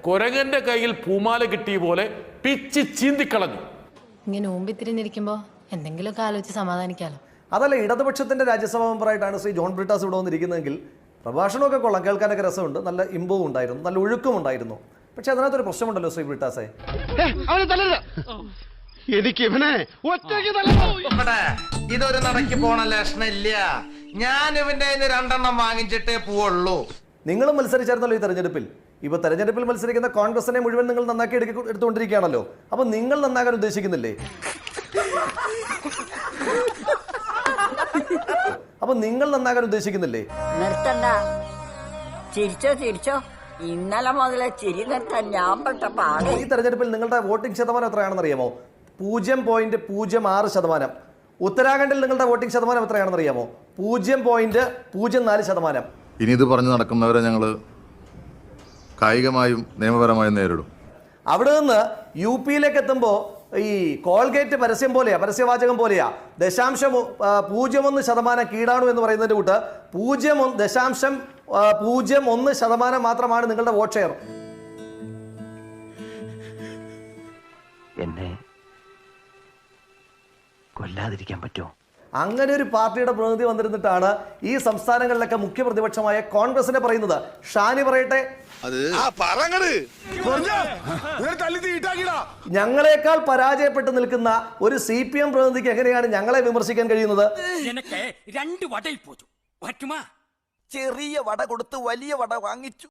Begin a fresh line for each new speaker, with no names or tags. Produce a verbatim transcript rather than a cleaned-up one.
കുരങ്ങന്റെ കയ്യിൽ പൂമാല കിട്ടിയ പോലെ പിച്ച് ചീന്തിക്കളഞ്ഞു.
ഇങ്ങനെ ഊമ്പിത്തിരിഞ്ഞിരിക്കുമ്പോ എന്തെങ്കിലുമൊക്കെ ആലോചിച്ച് സമാധാനിക്കാലോ.
അതല്ല, ഇടതുപക്ഷത്തിന്റെ രാജ്യസഭാ മെമ്പറായിട്ടാണ് ശ്രീ ജോൺ ബ്രിട്ടാസ് ഇവിടെ വന്നിരിക്കുന്നതെങ്കിൽ പ്രഭാഷണമൊക്കെ കൊള്ളാം, കേൾക്കാനൊക്കെ രസമുണ്ട്, നല്ല ഇമ്പവും ഉണ്ടായിരുന്നു, നല്ല ഒഴുക്കും ഉണ്ടായിരുന്നു. പക്ഷെ അതിനകത്തൊരു പ്രശ്നമുണ്ടല്ലോ ശ്രീ ബ്രിട്ടാസെ.
എനിക്ക്
ഇതൊരു നടക്കി പോണ ലക്ഷണില്ല. ഞാൻ ഇവന്റെ രണ്ടെണ്ണം വാങ്ങിച്ചിട്ടേ പോവുള്ളൂ.
നിങ്ങളും മത്സരിച്ചായിരുന്നല്ലോ ഈ തെരഞ്ഞെടുപ്പിൽ. ഇപ്പൊ തെരഞ്ഞെടുപ്പിൽ മത്സരിക്കുന്ന കോൺഗ്രസിനെ മുഴുവൻ നിങ്ങൾ നന്നാക്കി എടുക്ക എടുത്തുകൊണ്ടിരിക്കുകയാണല്ലോ. അപ്പൊ നിങ്ങൾ നന്നാകാൻ ഉദ്ദേശിക്കുന്നില്ലേ? അപ്പൊ നിങ്ങൾ നന്നാകാൻ ഉദ്ദേശിക്കുന്നില്ലേ?
നിർത്തണ്ട, ചിരിച്ചോ ചിരിച്ചോ. ഇന്നലെ മുതലേ ചിരി നിർത്താൻ ഞാൻ പെട്ട പാട്.
ഈ തെരഞ്ഞെടുപ്പിൽ നിങ്ങളുടെ വോട്ടിംഗ് ശതമാനം എത്രയാണെന്ന് അറിയാമോ? പൂജ്യം പോയിന്റ് പൂജ്യം ആറ് ശതമാനം. ഉത്തരാഖണ്ഡിൽ നിങ്ങളുടെ വോട്ടിംഗ് ശതമാനം എത്രയാണെന്ന് അറിയാമോ? പൂജ്യം പോയിന്റ് പൂജ്യം നാല് ശതമാനം.
ഇനി ഇത് പറഞ്ഞു നടക്കുന്നവരെ ഞങ്ങൾ കായികമായും നിയമപരമായും നേരിടും.
അവിടെ നിന്ന് യു പിയിലേക്ക് എത്തുമ്പോൾ ഈ കോൾഗേറ്റ് പരസ്യം പോലെയാ, പരസ്യവാചകം പോലെയാ. ദശാംശം പൂജ്യം ഒന്ന് ശതമാനം കീടാണു എന്ന് പറയുന്നതിന്റെ കൂട്ട് പൂജ്യം ദശാംശം പൂജ്യം ഒന്ന് ശതമാനം മാത്രമാണ് നിങ്ങളുടെ വോട്ട് ഷെയർ.
എന്നെ കൊല്ലാതിരിക്കാൻ പറ്റുമോ?
അങ്ങനെ ഒരു പാർട്ടിയുടെ പ്രതിനിധി വന്നിരുന്നിട്ടാണ് ഈ സംസ്ഥാനങ്ങളിലൊക്കെ മുഖ്യ പ്രതിപക്ഷമായ കോൺഗ്രസിനെ പറയുന്നത്. ഷാനി പറയട്ടെ, ഞങ്ങളെക്കാൾ പരാജയപ്പെട്ട് നിൽക്കുന്ന ഒരു സി പി എം പ്രതിനിധിക്ക് എങ്ങനെയാണ് ഞങ്ങളെ വിമർശിക്കാൻ കഴിയുന്നത്?
രണ്ട് വടയിൽ പോച്ചു, ചെറിയ വട കൊടുത്ത് വലിയ വട വാങ്ങിച്ചു.